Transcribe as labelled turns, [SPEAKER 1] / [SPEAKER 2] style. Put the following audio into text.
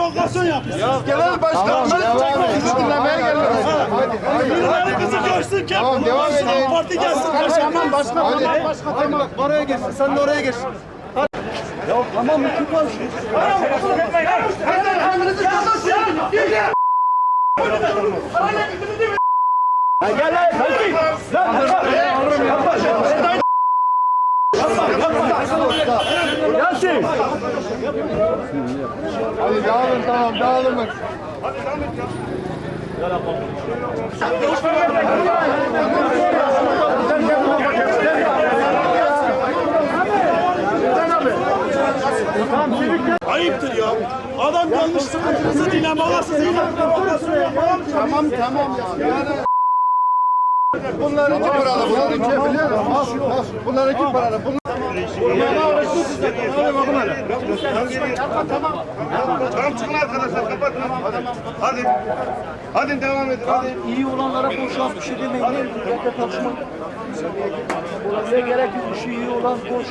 [SPEAKER 1] provokasyon yapıyorsunuz.
[SPEAKER 2] Genel başkanımız sizi dinlemeye geliyoruz.
[SPEAKER 1] Birileri kızı görsün.
[SPEAKER 2] Tamam, devam edin.
[SPEAKER 1] Parti gelsin.
[SPEAKER 2] Tamam başkan.
[SPEAKER 3] Tamam bak oraya geçsin. Sen de oraya geç.
[SPEAKER 1] Ya tamam mı? Kim konuşuyor? Gel lan. Yasin.
[SPEAKER 2] Hadi dağılın, tamam dağılın.
[SPEAKER 1] Ayıptır ya. Adam gelmiş sıkıntınızı dinlemeye size provokasyon yapar.
[SPEAKER 2] Tamam ya. Bunlar iki paralı, bunlar iki biliyor musun? Bunlar iki paralı.
[SPEAKER 3] Tamam çıkın arkadaşlar kapatın. Hadi. Hadi devam edin. Hadi.
[SPEAKER 1] İyi olanlara boşalt bir şey demeyin. Nerede tartışma? Olabilir gerek yok. İşi iyi olan boş.